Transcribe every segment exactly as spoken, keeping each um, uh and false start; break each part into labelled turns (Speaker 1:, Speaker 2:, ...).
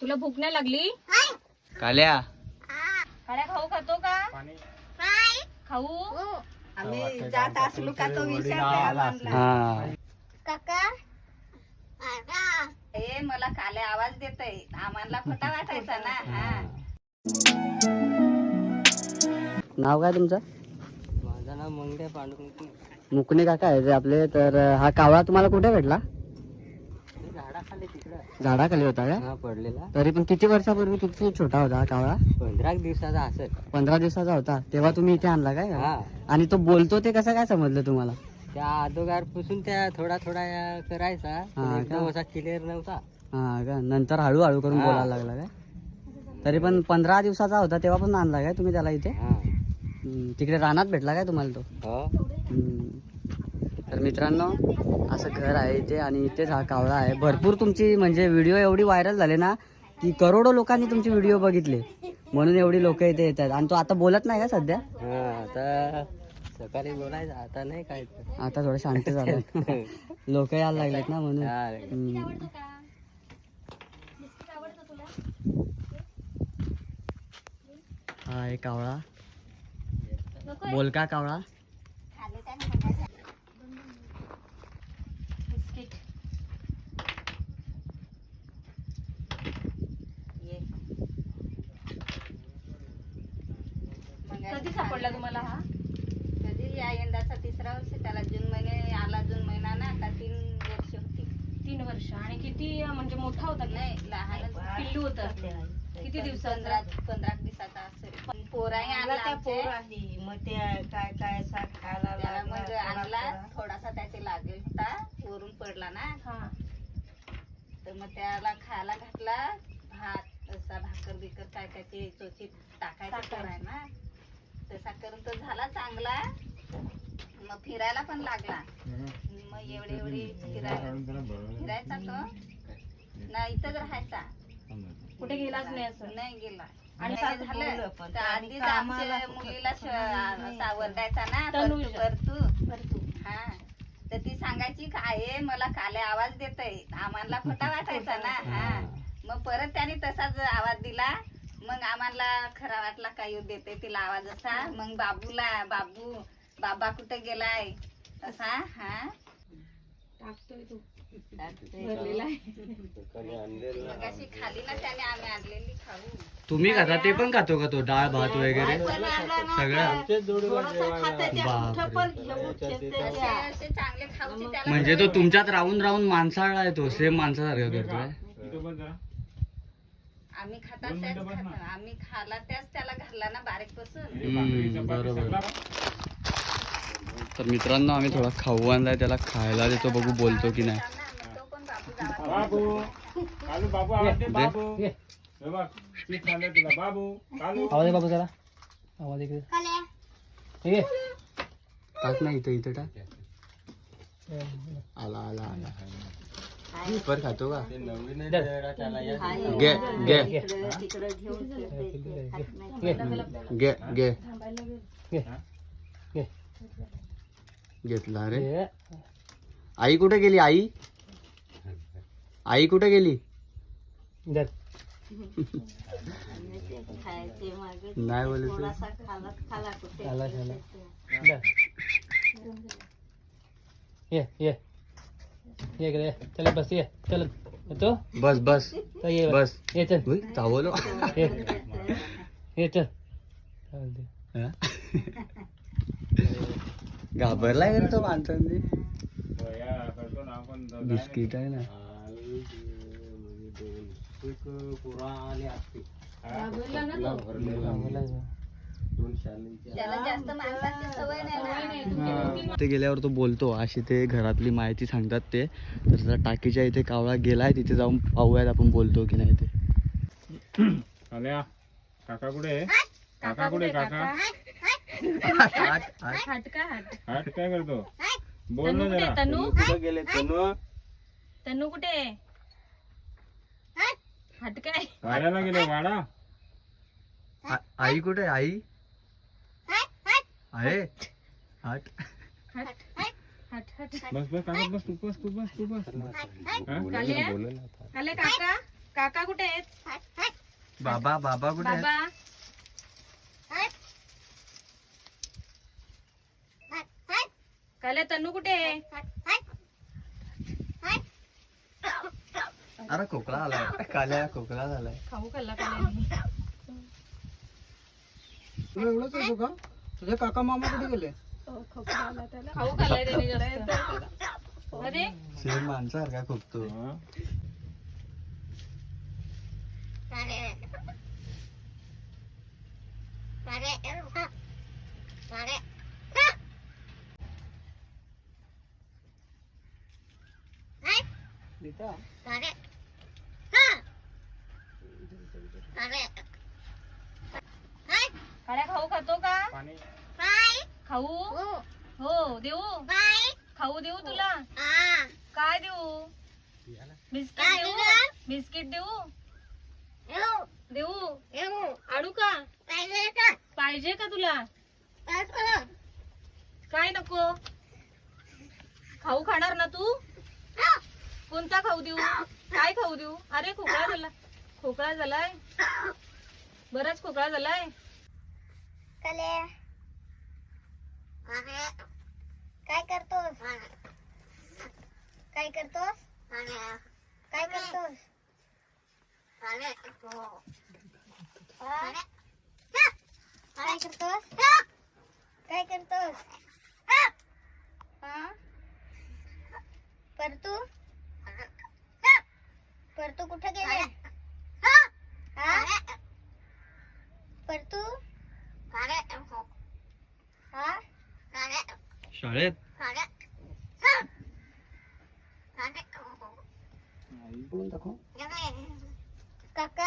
Speaker 1: तुला भूक नाही लागली?
Speaker 2: काल्या
Speaker 1: काल्या खाऊ खातो का? खाऊ
Speaker 3: आम्ही जात असलो का तो विचारते
Speaker 2: हा
Speaker 3: काका ए मला काले आवाज देतय आम्हाला खोटा वाटायचा ना. हा
Speaker 2: नाव काय तुमचं?
Speaker 4: माझं नाव मंगे पांडुरंग
Speaker 2: मुकणे काका आहे ते आपले. तर हा कावळा तुम्हाला कुठे भेटला?
Speaker 4: झाडाखाली तिकडं
Speaker 2: झाडाखाली होता का?
Speaker 4: हा पडलेला.
Speaker 2: तरी पण किती वर्षापूर्वी किती छोटा होता हा कावळा?
Speaker 4: पंधरा दिवसाचा असेल.
Speaker 2: पंधरा दिवसाचा होता तेव्हा तुम्ही इथे आणला काय?
Speaker 4: हा
Speaker 2: आणि तो बोलतो ते कसं काय समजलं तुम्हाला?
Speaker 4: त्या अगोदर पासून त्या थोडा थोडा करायचा पण
Speaker 2: हा
Speaker 4: एकदम
Speaker 2: का?
Speaker 4: असा क्लिअर नव्हता.
Speaker 2: हा का? नंतर हळूहळू करून
Speaker 4: हा.
Speaker 2: बोलायला लागला काय? तरी पण पंधरा दिवसाचा होता तेव्हा पण आणला काय तुम्ही त्याला इथे?
Speaker 4: हा
Speaker 2: हम्म, तिकडे रानात भेटला काय तुम्हाला तो?
Speaker 4: हो
Speaker 2: हम्म. तर मित्रांनो असं घर आहे इथे आणि इथेच हा कावळा आहे. भरपूर तुमची म्हणजे व्हिडिओ एवढी व्हायरल झाले ना की करोडो लोकांनी तुमचे व्हिडिओ बघितले म्हणून एवढी लोक इथे येतात. आणि तो आता बोलत नाही का सध्या?
Speaker 4: हा आता सकाळी बोलायचं आता नाही काय.
Speaker 2: आता थोडं शांत झालं लोक यायला लागलेत ना म्हणून.
Speaker 4: हा.
Speaker 2: हम्म. हा आहे कावळा, बोलका कावळा.
Speaker 1: बिस्किट कधी सापडला तुम्हाला हा?
Speaker 3: कधी या यंदाचा तिसरा वर्ष त्याला जून महिने आला. जून महिना ना आता तीन वर्ष होती.
Speaker 1: तीन वर्ष. आणि किती म्हणजे मोठा होता की
Speaker 3: नाही लहान
Speaker 1: पिल्लू होतं? किती दिवसाचा?
Speaker 3: पंधरा पंधरा दिवसाचा असेल. पोराही आणला आमचे.
Speaker 5: मग ते काय काय असा खायला
Speaker 3: त्याला मग
Speaker 5: लागला,
Speaker 3: आणला
Speaker 5: थोडा-
Speaker 3: थोडासा त्याचे लागेल होता वरून पडला ना.
Speaker 1: हा.
Speaker 3: तर मग त्याला खायला घातला भात असा भाकर बिकर काय काय ते चोची टाकायचं
Speaker 1: टाकायचं.
Speaker 3: आहे ना. तसा करून तो झाला चांगला. मग फिरायला पण लागला. मग एवढे एवढे फिरायला फिरायचा तो ना इथंच राहायचा.
Speaker 1: कुठे गेलाच नाही असं?
Speaker 3: नाही गेला.
Speaker 1: आणि
Speaker 3: आणि
Speaker 5: सासू
Speaker 3: झालं
Speaker 5: बोललं पण
Speaker 3: तर
Speaker 5: त्याने
Speaker 3: आधीच
Speaker 5: कामाला
Speaker 3: आमच्या मुलीला श- असा वरडायचा ना
Speaker 1: तनुजा.
Speaker 3: परतू परतू हा. तर ती सांगायची काय मला काले आवाज देतय आम्हाला खोटा वाटायचा ना. हा मग परत त्याने तसाच आवाज दिला. मग आम्हाला खरा वाटला काय देते तिला आवाज असा. मग बाबूला बाबू बाबा कुठे गेलाय असा. हा
Speaker 1: टाकतोय तू
Speaker 3: टाकते.
Speaker 1: भरलेला आहे.
Speaker 3: मग अशी खाली ना त्याने आम्ही आणलेली खाऊ.
Speaker 2: तुम्ही खाता ते पण खातो का तो? डाळ भात वगैरे सगळं?
Speaker 5: थोडंसं खाते त्या,
Speaker 2: बापरे.
Speaker 5: कुठं पण घेऊन ठेवते
Speaker 3: असे
Speaker 5: त्या.
Speaker 3: असे चांगले खाऊची त्याला
Speaker 2: म्हणजे तो तुमच्यात राहून राहून माणसाळा आहे तो. सेम माणसासारखं करतोय.
Speaker 3: आम्ही खाता त्याच खाता. आम्ही खाला त्याच त्याला घालला ना बारीक पासून.
Speaker 2: हम्म, बरोबर. तर मित्रांनो आम्ही थोडा खाऊ आणलाय त्याला खायला देतो, बघू बोलतो की नाही.
Speaker 3: तो पण बाबू गावात
Speaker 6: बाबू कालू बाबू आवाज दे बाबू. हे बघ चीज खाल्लं तुला बाबू कालू.
Speaker 4: आवाज बाबू जरा आवाज इकडे. ठीक आहे
Speaker 2: टाक ना इथं इथं टाक. आला आला आला. पर खातो का? घे घे
Speaker 3: तिकडे घेऊन फिरते. खात नाही.
Speaker 2: घे घे
Speaker 4: घे.
Speaker 2: घेतला रे. आई कुठे गेली? आई आई कुठे गेली?
Speaker 4: धर.
Speaker 3: खायचे मागे
Speaker 2: नाही बोलत.
Speaker 3: थोडासा खाला खाला कुठे
Speaker 4: खाला, खाला. धर. ये ये ये इकडे ये. चल बस ये. चल येतो.
Speaker 2: बस बस
Speaker 4: तर ये
Speaker 2: बस.
Speaker 4: ये चल.
Speaker 2: उई, चावलो.
Speaker 4: ये ये चल. चालते.
Speaker 2: हा? घाबरलाय का तो माणसांनी?
Speaker 6: या करतो ना आपण जाऊ.
Speaker 2: बिस्किट आहे ना.
Speaker 3: त्याला जास्त माणसाची सवय नाही ना.
Speaker 2: ते गेल्यावर तो बोलतो अशी ते घरातली माहिती सांगतात ते. तर त्या टाकीच्या इथे कावळा गेलाय तिथे जाऊन पाहूयात आपण बोलतो की नाही ते.
Speaker 6: आल्या काका कुठे आहे? काका कुठे काका?
Speaker 1: हट का हट.
Speaker 6: हाट काय करतो? बोल
Speaker 1: तनू
Speaker 6: ना
Speaker 1: कुठे?
Speaker 6: जरा.
Speaker 1: तनू
Speaker 6: कुठे गेले तनू?
Speaker 1: तनू कुठे? हट काय.
Speaker 6: वाड्याला गेले वाडा.
Speaker 2: आ- आई कुठे? आई आहे हट.
Speaker 1: हट हट हट.
Speaker 6: बस बस काका बस तू बस तू बस तू बस. हा?
Speaker 1: काल्या काल्या काका काका कुठे आहेत?
Speaker 2: बाबा बाबा कुठे आहेत?
Speaker 1: बाबा काल्या तन्नू कुठे आहे?
Speaker 2: अरे खोकला आलाय काल्या खोकला झालाय.
Speaker 1: खाऊ खाल्ला काल्यानी.
Speaker 7: तुला एवढंच येतो का? तुझे काका मामा कुठे गेले?
Speaker 1: खाऊ खाल्लाय त्याने जास्त. अरे
Speaker 2: सेम माणसासारखा खोकतो.
Speaker 1: काल्या खाऊ खातो का?
Speaker 6: पाणी
Speaker 1: खाऊ हो देऊ. खाऊ देऊ तुला? काय देऊ? बिस्किट देऊ? बिस्किट देऊ? देऊ? आडू का? पाहिजे का तुला? काय नको? खाऊ खाणार ना तू? कोणता खाऊ देऊ? काय खाऊ देऊ? अरे खोकळा झाला. खोकळा झालाय. बराच खोकळा झालाय.
Speaker 8: काय करतोस? काय करतोस? काय करतोस? काय करतोस? काय करतोस? हा? परतू परतू कुठे गेले? हा? परतू हा?
Speaker 2: शाळेत
Speaker 8: काका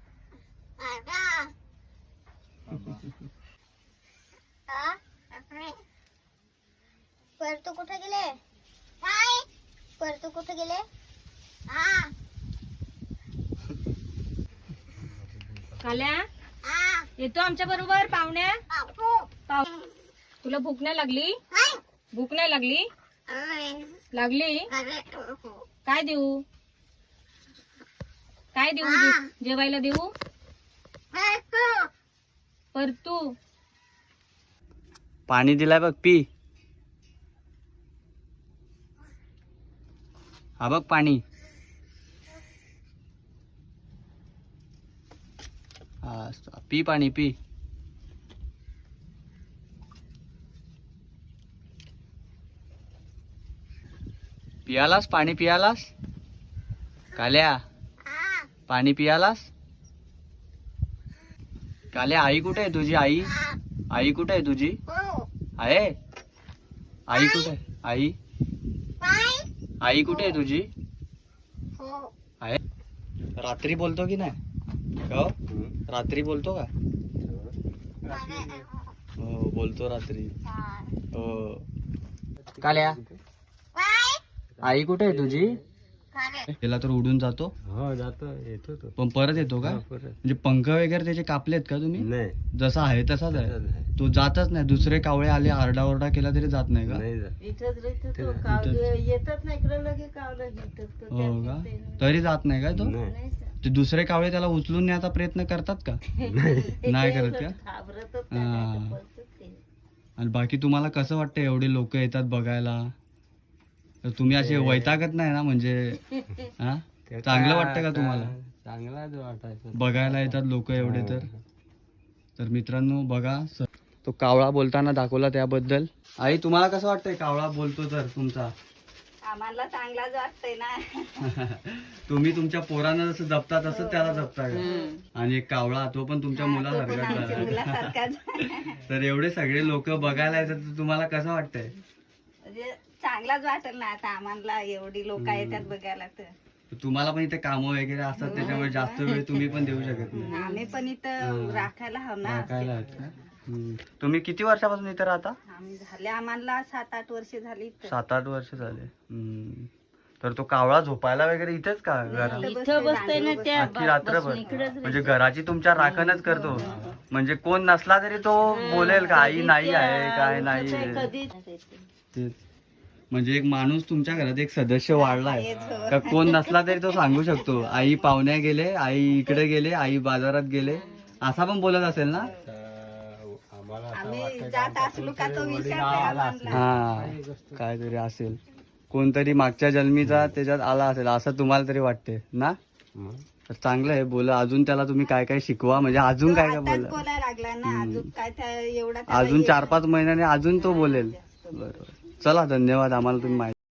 Speaker 8: हा? परतू कुठे गेले? परतू कुठे गेले? हा?
Speaker 1: काल्या येतो आमच्या बरोबर पाहुण्या. पाहु- तुला भूक नाही लागली? भूक नाही लागली? लागली? काय देऊ? काय देऊ? जे- जेवायला देऊ? परतू
Speaker 2: पाणी दिलाय बघ पी. हा बघ पाणी. हा पी पाणी पी. पियालास पाणी पियालास? काल्या पाणी पियालास? काल्या आई कुठे आहे तुझी? आई आई कुठे आहे तुझी? आहे आई कुठे आहे? आई आई कुठे आहे तुझी? आहे. रात्री बोलतो की नाही? का रात्री बोलतो का? हो बोलतो रात्री. हो. काल्या आई कुठे आहे तुझी? त्याला तर उडून जातो.
Speaker 5: हो जातो येतो तो
Speaker 2: पण परत येतो का?
Speaker 5: परत
Speaker 2: म्हणजे पंख वगैरे त्याचे कापलेत का तुम्ही?
Speaker 5: नाही
Speaker 2: जसा आहे तसाच आहे तो. जातच नाही. दुसरे कावळे आले आरडाओरडा केला तरी जात नाही का?
Speaker 5: नाही जात.
Speaker 7: इथंच राहतो तो. कावले येतात ना इकडे लगे कावलं घेतात तो.
Speaker 2: हो का? तरी जात नाही का तो?
Speaker 5: नाही
Speaker 2: ते दुसरे कावळे त्याला उचलून न्यायचा प्रयत्न करतात का? नाही करत का?
Speaker 7: घाबरतच
Speaker 2: हा.
Speaker 7: नाही बोलतात ते.
Speaker 2: आणि बाकी तुम्हाला कसं वाटतं एवढे लोक येतात बघायला? तर तुम्ही असे वैतागत नाही ना? म्हणजे हा
Speaker 5: ते
Speaker 2: चांगलं
Speaker 5: काय
Speaker 2: वाटतं का
Speaker 5: आता
Speaker 2: तुम्हाला?
Speaker 5: चांगलाच वाटायचं
Speaker 2: बघायला येतात लोक एवढे तर. तर मित्रांनो बघा स- तो कावळा बोलताना दाखवला त्याबद्दल. आई तुम्हाला कसं वाटतंय कावळा बोलतो तर तुमचा?
Speaker 3: आम्हाला चांगलाच वाटतंय ना.
Speaker 2: तुम्ही तुमच्या पोरांना जसं जपता तसं त्याला जपता का? आणि एक कावळा तो पण तुमच्या मुलासारखाच
Speaker 3: आमच्या
Speaker 2: झाला.
Speaker 3: मुलासारखाच.
Speaker 2: तर एवढे सगळे लोक बघायला येतात तर तुम्हाला कसं वाटतंय?
Speaker 3: म्हणजे चांगलाच वाटेल ना आता आम्हाला एवढी लोक येतात बघायला तर.
Speaker 2: तुम्हाला पण इथे कामं वगैरे असतात त्याच्यामुळे जास्त वेळ तुम्ही पण देऊ शकत नाही.
Speaker 3: आम्ही पण इथं राखायला हवं ना.
Speaker 2: राखायला आहेत का? हम्म. तुम्ही किती वर्षापासून इथे राहता?
Speaker 3: आम्ही झाले आम्हाला सात आठ वर्ष झाली इथं.
Speaker 2: सात आठ वर्ष झाले. हम्म. तर तो कावळा झोपायला वगैरे इथेच का घरात?
Speaker 7: इथं बसतोय ना त्या
Speaker 2: अख्खी रात्रभर म्हणजे घराची तुमच्या राखणच करतो. म्हणजे कोण नसला तरी तो बोलेल का आई नाही आहे काय नाही आहे.
Speaker 7: कधी
Speaker 2: तेच. म्हणजे एक माणूस तुमच्या घरात एक सदस्य वाढलाय का कोण नसला तरी तो सांगू शकतो आई पाहुण्या गेले, आई इकडे गेले, आई बाजारात गेले, असा पण बोलत असेल ना.
Speaker 5: आम्हाला असं
Speaker 3: आम्ही
Speaker 5: वाटतं
Speaker 3: जात असलो का तो विचारते आम्हाला.
Speaker 2: हा काहीतरी असेल, कोणतरी मागच्या जन्मीचा त्याच्यात आला असेल असं तुम्हाला तरी वाटते ना.
Speaker 5: मग
Speaker 2: तर चांगलं आहे, बोला अजून त्याला तुम्ही काय काय शिकवा, म्हणजे अजून काय काय
Speaker 3: आताच
Speaker 2: बोला,
Speaker 3: बोलायला लागला ना, अजून काय त्या एवढा त्याला
Speaker 2: अजून
Speaker 3: येत
Speaker 2: चार पाच महिन्याने अजून तो बोलेल. बरोबर, चला धन्यवाद आम्हाला तुम्ही माहिती